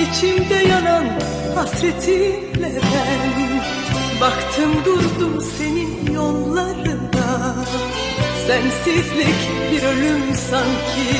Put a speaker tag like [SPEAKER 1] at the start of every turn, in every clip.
[SPEAKER 1] İçimde yanan hasretinle ben baktım durdum senin yollarına. Sensizlik bir ölüm sanki.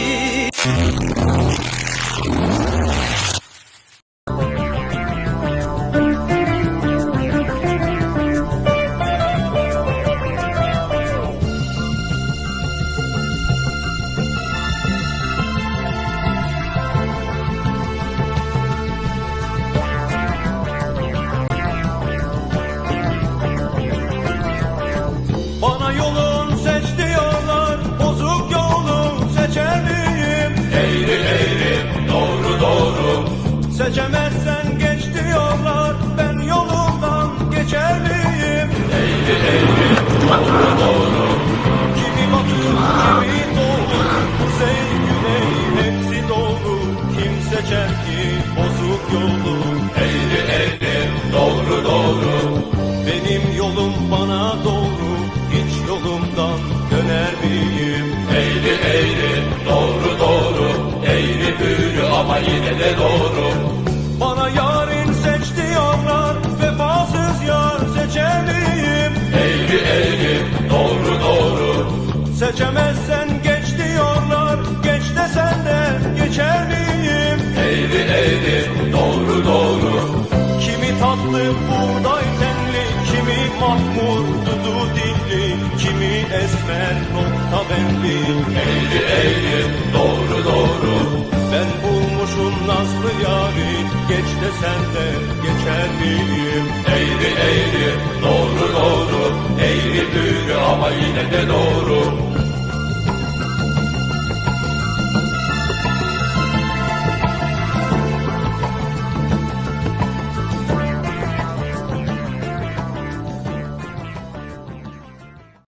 [SPEAKER 2] Bana yolun seç diyorlar, bozuk yolu seçer miyim?
[SPEAKER 3] Eğri eğri, doğru doğru.
[SPEAKER 2] Seçemezsen geç diyorlar, ben yolumdan geçer miyim?
[SPEAKER 3] Eğri eğri, doğru doğru.
[SPEAKER 2] Kimi batı, kimi doğu, kuzey güney hepsi doğru. Kim seçer ki bozuk yolu?
[SPEAKER 3] Eğri eğri, doğru doğru.
[SPEAKER 2] Benim yolum bana doğru, hiç yolumdan döner miyim?
[SPEAKER 3] Eğri eğri, doğru doğru. Eğri büğrü ama yine de doğru.
[SPEAKER 2] Bana yarın seç diyorlar, vefasız yar seçer miyim?
[SPEAKER 3] Eğri eğri, doğru doğru.
[SPEAKER 2] Seçemezsen geç diyorlar, geç desen de geçer miyim?
[SPEAKER 3] Eğri eğri, doğru doğru.
[SPEAKER 2] Kimi tatlı buğday tenli, kimi mahmur dudu dilli, kimi esmer nokta benli.
[SPEAKER 3] Eğri eğri, doğru doğru.
[SPEAKER 2] Ben bulmuşum nazlı yari, geç desen de geçer miyim?
[SPEAKER 3] Eğri eğri, doğru doğru. Eğri büğrü ama yine de doğru.